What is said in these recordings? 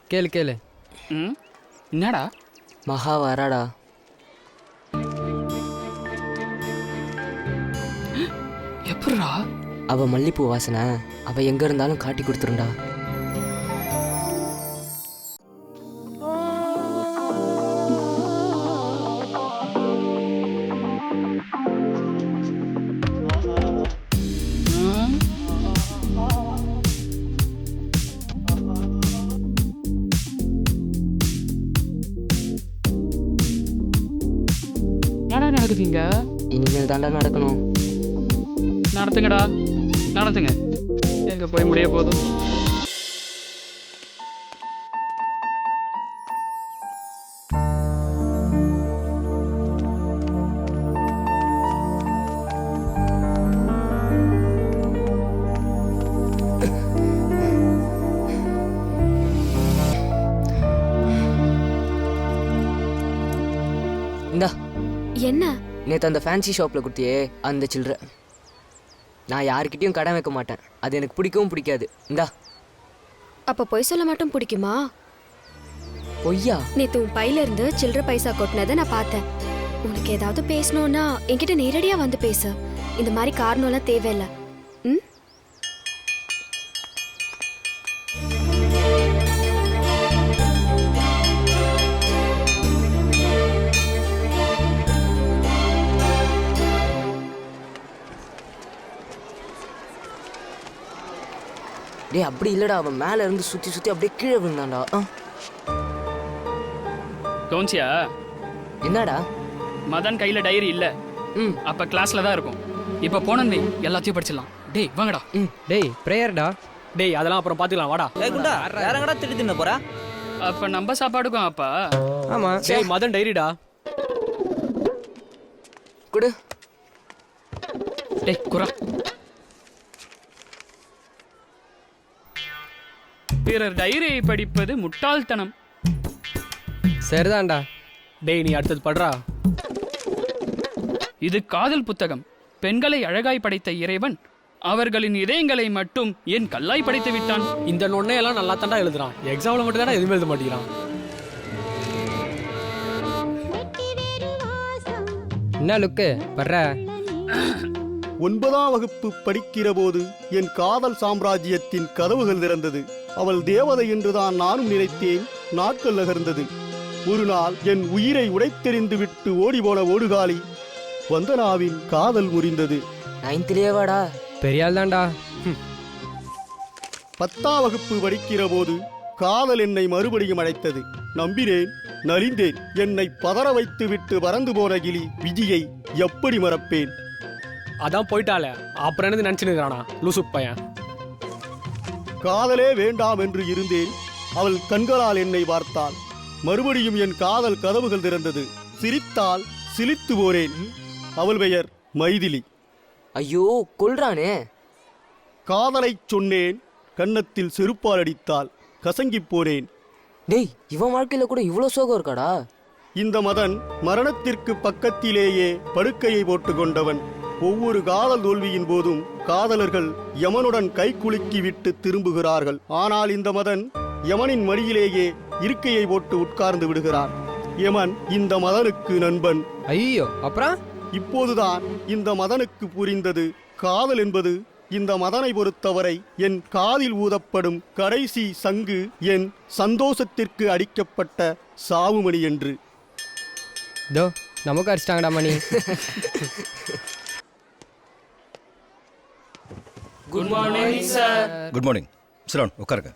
கேளு கேளு. ம் என்னடா? மகா வராடா. எப்படிடா? அவ மல்லிப்பூ வாசனை அவ எங்க இருந்தாலும் காட்டி கொடுத்துருண்டா. என்னடா நடக்குதுங்க? இனிமேல் தாண்டா நடக்கணும். நடத்துங்கடா, நடத்துங்க. எங்க போய் முடிய போதும். இந்தா என்ன? நேற்று அந்த ஃபேன்சி ஷாப்பில் கொடுத்தியே அந்த சில்லற. நான் யாருக்கிட்டையும் கடன் வைக்க மாட்டேன், அது எனக்கு பிடிக்கவும் பிடிக்காது. இந்தா. அப்ப பொய் சொல்ல மட்டும் பிடிக்குமா? பொய்யா? நேத்து உன் பையில இருந்து சில்லற பைசா கொட்டினதை நான் பார்த்தேன். உனக்கு ஏதாவது பேசணும்னா என்கிட்ட நேரடியா வந்து பேசு. இந்த மாதிரி காரணம்லாம் தேவையில்லை. ம்? டேய் அப்படி இல்லடா, அவன் மேல இருந்து சுத்தி சுத்தி அப்படியே கீழே விழுந்தான்டா. கவுன்சியா? என்னடா? மதன் கையில டைரி இல்ல. அப்ப கிளாஸ்ல தான் இருக்கும். இப்ப போனே எல்லாத்தையும் படிச்சிடலாம். டேய் வாங்கடா. டேய் பிரேயர்டா. டேய் அதெல்லாம் அப்புறம் பாத்துக்கலாம் வாடா. டேய் குண்டா யாரங்கடா திட்டு தின்ன போறா? அப்ப நம்ம சாப்பாடுக்கும் அப்பா. ஆமா. டேய் மதன் டைரிடா. குடு. டேய் குறா. பிறர் டைரியை படிப்பது முட்டாள்தனம். சரிதான்டா. டேய் நீ அடுத்தது படுறா. இது காதல் புத்தகம். பெண்களை அழகாய் படைத்த இறைவன் அவர்களின் இதயங்களை மட்டும் ஏன் கல்லாய் படைத்து விட்டான்? இந்த நொண்ணே எல்லாம் நல்லா தாண்டா எழுதுறான். எக்ஸாம்ல மட்டும் தானே எதுவுமே எழுத மாட்டேங்கிறான். என்ன லுக்கு படுற? 9ஆம் வகுப்பு படிக்கிற போது என் காதல் சாம்ராஜ்யத்தின் கதவுகள் திறந்தது. அவள் தேவதை என்றுதான் நானும் நினைத்தேன். நாட்கள் நகர்ந்தது. ஒரு நாள் என் உயிரை உடைத்தெறிந்து விட்டு ஓடிபோன ஓடுகாலி வந்தனாவின் காதல் முறிந்தது. 9th வாடா. பெரிய ஆள் தான்டா. 10ஆம் வகுப்பு படிக்கிற போது காதல் என்னை மறுபடியும் அழைத்தது. நம்பினேன், நலிந்தேன். என்னை பதற வைத்து விட்டு பறந்து போன கிளி விஜியை எப்படி மறப்பேன்? அதான் போயிட்டாலே, அப்புறம் என்னது நினைச்சுன்னு இருக்கிறானா லூசு பையன். காதலே வேண்டாம் என்று இருந்தேன். அவள் கண்களால் என்னை பார்த்தாள். மறுபடியும் என் காதல் கதவுகள் திறந்தது. சிரித்தால் சிலித்து போனேன். அவள் பெயர் மைதிலி. ஐயோ கொல்றானே. காதலை சொன்னேன். கன்னத்தில் செருப்பால் அடித்தாள். கசங்கிப் போனேன். டேய் இவன் வாழ்க்கையில கூட இவ்வளோ சோகம் இருக்காடா? இந்த மதன் மரணத்திற்கு பக்கத்திலேயே படுக்கையை போட்டு கொண்டவன். ஒவ்வொரு காதல் தோல்வியின் போதும் காதலர்கள் யமனுடன் கை குலுக்கி விட்டு திரும்புகிறார்கள். ஆனால் இந்த மதன் யமனின் மடியிலேயே இருக்கையை போட்டு உட்கார்ந்து விடுகிறான். யமன் இந்த மதனுக்கு நண்பன். ஐயோ அப்புறம்? இப்போதுதான் இந்த மதனுக்கு புரிந்தது, காதல் என்பது இந்த மதனை பொறுத்தவரை என் காதில் ஊதப்படும் கடைசி சங்கு, என் சந்தோஷத்திற்கு அடிக்கப்பட்ட சாவுமணி என்று. தோ நமக்கு அடிச்சிட்டாங்கடா மணி. Good morning sir. Good morning. சிரோன் உட்காருங்க.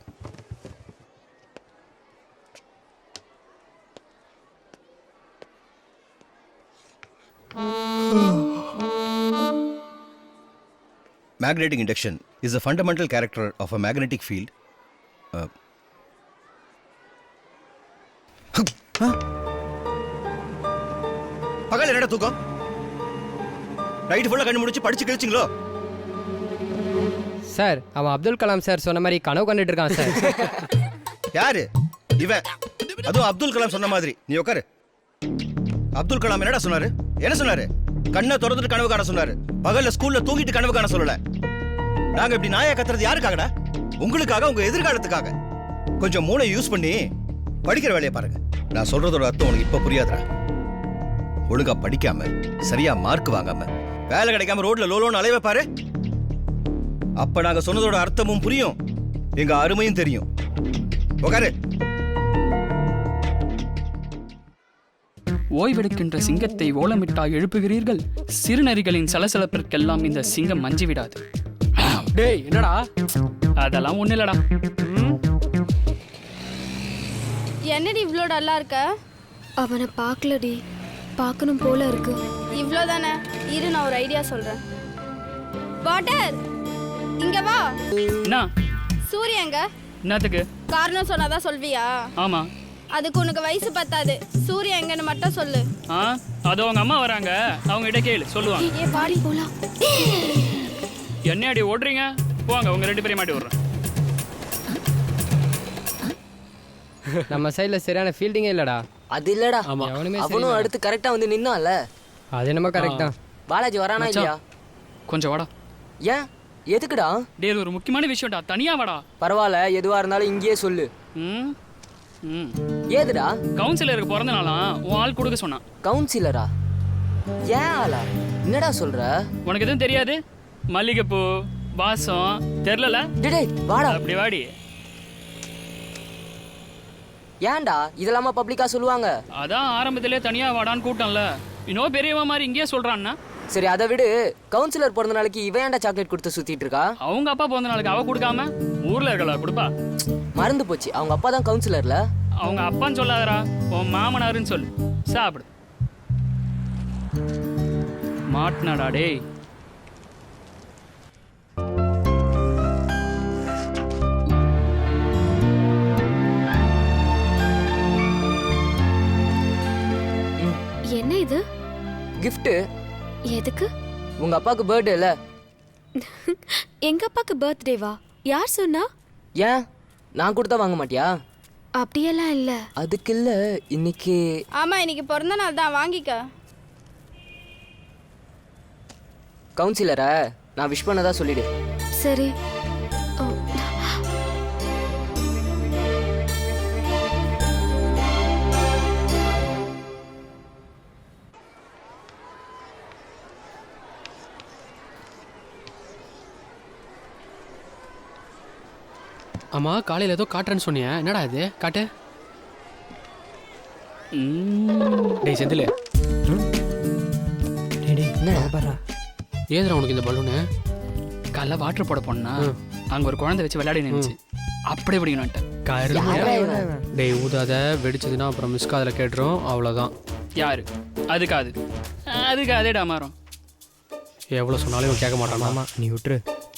Magnetic induction is a fundamental character of a magnetic field. பகல் என்னடா தூக்கம்? நைட் ஃபுல்லா கண்ணு முடிச்சு படிச்சு கிழிச்சிங்களோ? சார் அவன் அப்துல் கலாம் சார் சொன்ன மாதிரி கனவு கண்டுட்டு இருக்கான் சார். யாரு இவன்? அதுவும் அப்துல் கலாம் சொன்ன மாதிரி. நீ உட்காரு. அப்துல் கலாம் என்னடா சொன்னாரு? என்ன சொன்னாரு? கண்ணை திறந்துட்டு கனவு காண சொன்னாரு. பகல்ல ஸ்கூல்ல தூங்கிட்டு கனவு காண சொல்லல. நாங்க இப்படி நாயா கத்துறது யாருக்காகடா? உங்களுக்காக, உங்க எதிர்காலத்துக்காக. கொஞ்சம் மூளை யூஸ் பண்ணி படிக்கிற வேலையை பாருங்க. நான் சொல்றதோட அர்த்தம் உனக்கு இப்ப புரியாதுடா. ஒழுங்கா படிக்காம சரியா மார்க் வாங்காம வேலை கிடைக்காம ரோட்ல லோலோன்னு அலைவை பாரு. அப்ப நாங்க சொன்னதோட அர்த்தமும் புரியும், எங்க அருமையும் தெரியும். உட்காரு. ஓய்வெடுக்கின்ற சிங்கத்தை ஓலமிட்டா எழுப்புகிறீர்கள். சிறுநரிகளின் சலசலப்பிற்கெல்லாம் இந்த சிங்கம் மஞ்சி விடாது. டேய் என்னடா? அதெல்லாம் ஒண்ணு இல்லடா. என்னடி இவ்வளோ டல்லா இருக்க? அவனை பார்க்கலடி, பார்க்கணும் போல இருக்கு. இவ்வளோ தானே, இரு நான் ஒரு ஐடியா சொல்கிறேன். வாட்டர் இங்க வா. என்ன சூரியங்க என்னத்துக்கு? காரணம் சொன்னாதான் சொல்வியா? ஆமா. அதுக்கு உனக்கு வயசு பத்தாது. சூரிய எங்கன்னு மட்டும் சொல்லு. அது அவங்க அம்மா வராங்க, அவங்க கிட்ட கேளு, சொல்லுவாங்க. ஏ பாடி போலாம். என்ன அடி ஓடுறீங்க? போங்க, உங்க 2 பேரையும் மாட்டி விடுறேன். நம்ம சைடில் சரியான ஃபீல்டிங்கே இல்லைடா. அது இல்லடா, எவனுமே அவனும் அடுத்து கரெக்டா வந்து நின்னான்ல. அது என்னமோ கரெக்ட் தான். பாலாஜி வரானா இல்லையா? கொஞ்சம் வாடா. ஏன் எதுக்குடா? டேய், இது ஒரு முக்கியமான விஷயம்டா, தனியா வாடா. பரவாயில்ல, எதுவா இருந்தாலும் இங்கேயே சொல்லு. ம் ம் ஏதுடா? கவுன்சிலருக்கு பிறந்த நாளாம், உன் ஆள் கொடுக்க சொன்னான். கவுன்சிலரா? ஏன் ஆளா? என்னடா சொல்ற? உனக்கு எதுவும் தெரியாது? மல்லிகைப்பூ வாசம் தெரியல. டேய் வாடா. அப்படி வாடி. ஏன்டா இதெல்லாமா பப்ளிக்கா சொல்லுவாங்க? அதான் ஆரம்பத்திலே தனியா வாடான்னு கூட்டம்ல, இன்னும் பெரியவன் மாதிரி இங்கேயே சொல்றான்னா. சரி அதை விடு, கவுன்சிலர் பிறந்த நாளைக்கு இவன் ஏன்டா சாக்லேட் கொடுத்து சுத்திட்டு இருக்கா? அவங்க அப்பா பிறந்த நாளுக்கு அவ கொடுக்காம ஊர்ல இருக்கல கொடுப்பா. மறந்து போச்சு, அவங்க அப்பா தான் கவுன்சிலர்ல. அவங்க அப்பான்னு சொல்லாதடா, உன் மாமனாருன்னு சொல்லு. சாப்பிடு. மாட்டினாடா டேய். என்ன இது? கிஃப்ட். எதுக்கு? உங்க அப்பாவுக்கு பர்த்டே இல்ல? எங்க அப்பாக்கு பர்த்டேவா? யார் சொன்னா? ஏன் நான் கொடுத்தா வாங்க மாட்டியா? அப்படியெல்லாம் இல்ல. அதுக்கு இல்ல, இன்னைக்கு. ஆமா, இன்னைக்கு பிறந்த நாள் தான், வாங்கிக்க. கவுன்சிலரை நான் விஷ் பண்ணதா சொல்லிடு. சரி. ஓ. ஆமா, காலையில் ஏதோ காட்டுறேன்னு சொன்னியா, என்னடா இது? காட்டு. டேய் செந்தில், ஏதுடா உனக்கு இந்த பலூனு? காலைல வாட்டர் போட போனா அங்க ஒரு குழந்தை வச்சு விளையாடி நினைச்சு அப்படி இப்படின்னு. டேய் ஊதாத, வெடிச்சதுன்னா அப்புறம் மிஸ் காதில் கேட்டுரும், அவ்வளோதான். யாரு? அதுக்காது அதேடா மாறும். எவ்வளோ சொன்னாலும் இவன் கேட்க மாட்டான். ஆமா, நீ விட்டுரு.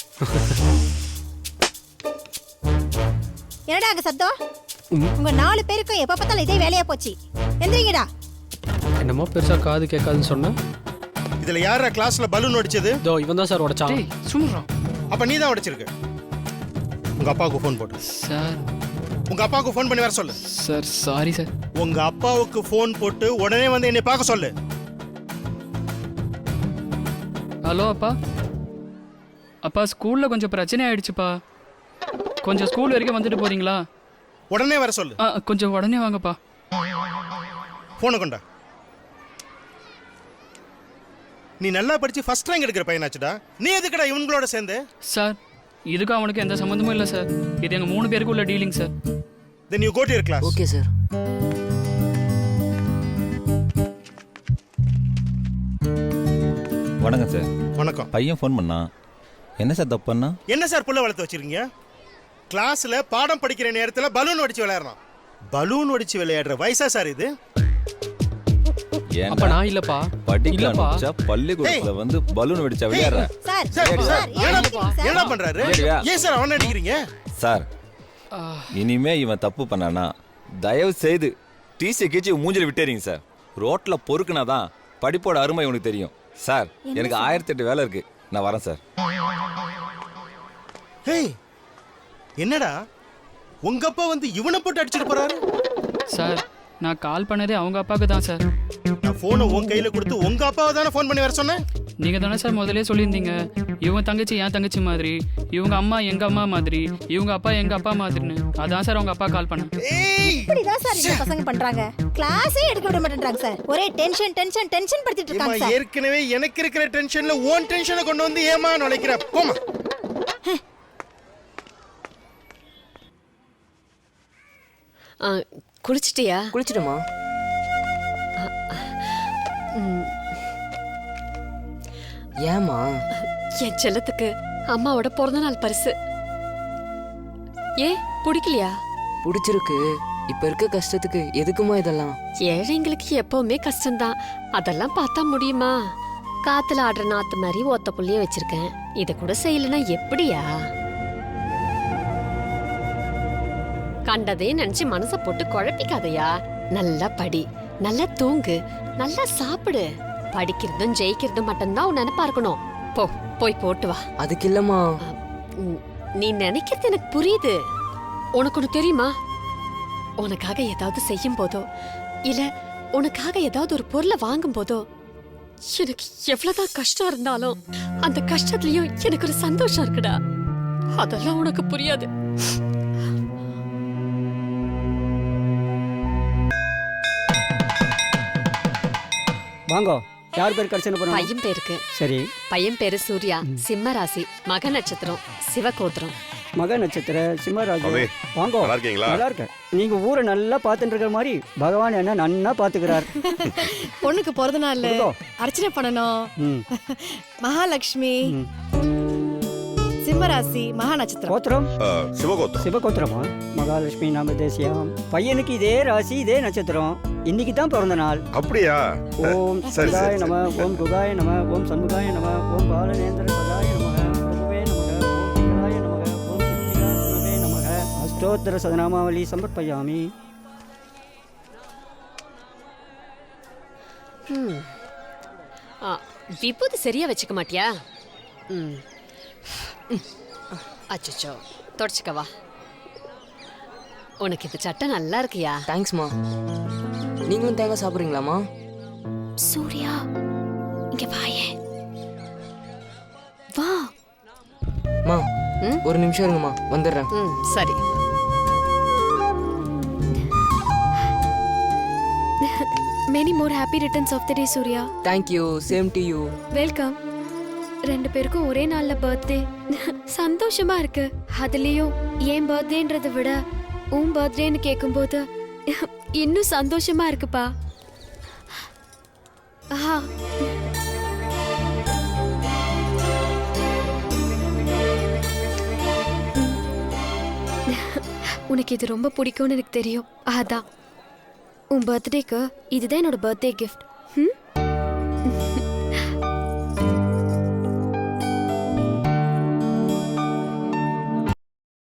என்னடா அங்க சத்தம்? உங்க 4 பேருக்கும் எப்ப பார்த்தாலும் இதே வேலையா போச்சு. எந்திரிங்கடா. என்னமோ பெருசா காது கேட்காதுன்னு சொன்னேன். இதுல யாரா கிளாஸ்ல பலூன் உடைச்சது? இதோ இவன் தான் சார் உடைச்சான். டேய் சும்மா. அப்ப நீ தான் உடைச்சிருக்க. உங்க அப்பாவுக்கு ஃபோன் போடு. சார். உங்க அப்பாவுக்கு ஃபோன் பண்ணி வர சொல்லு. Sir sorry sir. உங்க அப்பாவுக்கு ஃபோன் போட்டு உடனே வந்து என்னை பார்க்க சொல்லு. ஹலோ அப்பா. அப்பா, ஸ்கூல்ல கொஞ்சம் பிரச்சனை ஆயிடுச்சுப்பா. கொஞ்சம் ஸ்கூல் வரைக்கும் வந்துட்டு போறீங்களா? உடனே வர சொல்லு. கொஞ்சம் உடனே வாங்கப்பா. போனை கொண்டா. நீ நல்லா படிச்சு ஃபர்ஸ்ட் ரேங்க் எடுக்கிற பையனாச்சுடா. நீ எதுக்குடா இவங்களோட சேர்ந்து? சார், இதுக்கும் அவனுக்கு எந்த சம்மந்தமும் இல்லை சார். இது எங்க 3 பேருக்கு உள்ள dealing sir. Then you go to your class. Okay sir. வணக்கம் சார். வணக்கம். பையன் ஃபோன் பண்ணா. என்ன சார் தப்பு பண்ணா? என்ன சார் புள்ள வளர்த்து வச்சிருக்கீங்க? கிளாஸ்ல பாடம் படிக்கிற நேரத்துல பலூன் அடிச்சு விளையாடுறான். பலூன் அடிச்சு விளையாடுற வயசா சார் இது? அப்ப நான் இல்லப்பா. படிக்கலப்பா. பள்ளிக்கூடத்துல வந்து பலூன் வெடிச்சா விளையாடுற. சார் சார் என்ன பண்றாரு? ஏன் சார் அவனை அடிக்கிறீங்க? சார், இனிமே இவன் தப்பு பண்ணானா தயவு செய்து டிசி கீச்சி மூஞ்சில விட்டேறீங்க சார். ரோட்ல பொறுக்குனாதான் படிப்போட அருமை உனக்கு தெரியும். சார், எனக்கு 1008 வேலை இருக்கு, நான் வரேன் சார். ஹேய், என்னடா உங்க அப்பா வந்து இவனை போட்டு அடிச்சிட்டு போறாரு? சார், நான் கால் பண்ணதே அவங்க அப்பாவுக்கு தான் சார். நான் போனை உன் கையில கொடுத்து உங்க அப்பாவை தானே ஃபோன் பண்ணி வர சொன்னேன். நீங்க தானே சார் முதல்ல சொல்லியிருந்தீங்க இவங்க தங்கச்சி என் தங்கச்சி மாதிரி, இவங்க அம்மா எங்க அம்மா மாதிரி, இவங்க அப்பா எங்க அப்பா மாதிரின்னு. அதான் சார் உங்க அப்பா கால் பண்ணேன். இப்படிதான் சார் இந்த பசங்க பண்றாங்க. கிளாஸே எடுக்க விட மாட்டேன்றாங்க சார். ஒரே டென்ஷன் டென்ஷன் டென்ஷன் படுத்திட்டு இருக்காங்க சார். ஏற்கனவே எனக்கு இருக்கிற டென்ஷன்ல ஓன் டென்ஷனை கொண்டு வந்து ஏமா நுழைக்கிற? போமா. குளிச்சிட்டியா? குளிச்சிடுமா? ஏமா? என் செல்லத்துக்கு அம்மாவோட பிறந்த நாள் பரிசு. பிடிக்கலையா? பிடிச்சிருக்கு. இப்ப இருக்க கஷ்டத்துக்கு எதுக்குமா இதெல்லாம்? ஏழைங்களுக்கு எப்பவுமே கஷ்டம்தான். அதெல்லாம் பார்த்தா முடியுமா? காத்துல ஆடுற நாத்து மாதிரி ஒத்த புள்ளிய வச்சிருக்கேன். இத கூட செய்யலன்னா எப்படியா? கண்டதே நினைச்சு மனச போட்டு குழப்பிக்காதையா. நல்லா படி, நல்லா தூங்கு, நல்லா சாப்பிடு. படிக்கிறதும் ஜெயிக்கிறதும் மட்டும்தான் உன் நினைப்பா இருக்கணும். போய் போட்டு வா. அதுக்கு இல்லம்மா. நீ நினைக்கிறது எனக்கு புரியுது. உனக்கு ஒண்ணு தெரியுமா? உனக்காக ஏதாவது செய்யும் போதோ இல்ல உனக்காக ஏதாவது ஒரு பொருளை வாங்கும் போதோ எனக்கு எவ்வளவுதான் கஷ்டம் இருந்தாலும் அந்த கஷ்டத்துலயும் எனக்கு ஒரு சந்தோஷம் இருக்குடா. அதெல்லாம் உனக்கு புரியாது. வாங்கோ. யார் பேர் கடிச்சன போறோம்? பையன் பேருக்கு. சரி. பையன் பேரு சூர்யா, சிம்ம ராசி, மக நட்சத்திரம், சிவகோத்திரம். மக நட்சத்திர சிம்மராஜ். வாங்கோ. நல்லா இருக்கீங்களா? நல்லா இருக்கேன். நீங்க ஊரை நல்லா பார்த்துட்டு இருக்கிற மாதிரி பகவான் என்ன நன்னா பாத்துக்கிறார். பொண்ணுக்கு பிறந்த நாள் அர்ச்சனை பண்ணணும். மகாலட்சுமி, சிம்மராசி, மகா நட்சத்திரம். கோத்திரம்? சிவகோத்திரம். சிவகோத்திரமா? மகாலட்சுமி நாம தேசியம். பையனுக்கு இதே ராசி இதே நட்சத்திரம். இன்னைக்கு தான் பிறந்த நாள். அப்படியா? ஓம் சதாய நம, ஓம் குகாய நம, ஓம் சண்முகாய நம, ஓம் பாலநேந்திர சதாய நம, பிரபுவே நமக, ஓம் குகாய நமக, ஓம் சித்திகாய நமக. அஷ்டோத்தர சதநாமாவளி சமர்ப்பயாமி. விபூதி சரியா வச்சுக்க மாட்டியா? அச்சோ, தொடச்சுக்கவா. உனக்கு இந்த சட்டை நல்லா இருக்கியா? தேங்க்ஸ்மா. நீங்களும் தேங்காய் சாப்பிடுறீங்களாமா? சூர்யா இங்க வாயே. வா. மா ஒரு நிமிஷம் இருங்கம்மா, வந்துடுறேன். சரி. Many more happy returns of the day, Surya. Thank you. Same to you. Welcome. ரெண்டு பேருக்கும் ஒரே நாள்ல பர்த்டே. சந்தோஷமா இருக்கு. அதுலயும் ஏன் பர்த்டேன்றதை விட உன் பர்த்டேன்னு கேட்கும்போது இன்னும் சந்தோஷமா இருக்குப்பா. உனக்கு இது ரொம்ப பிடிக்கும்னு எனக்கு தெரியும். அதான் உன் பர்த்டேக்கு இதுதான் என்னோட பர்த்டே கிஃப்ட்.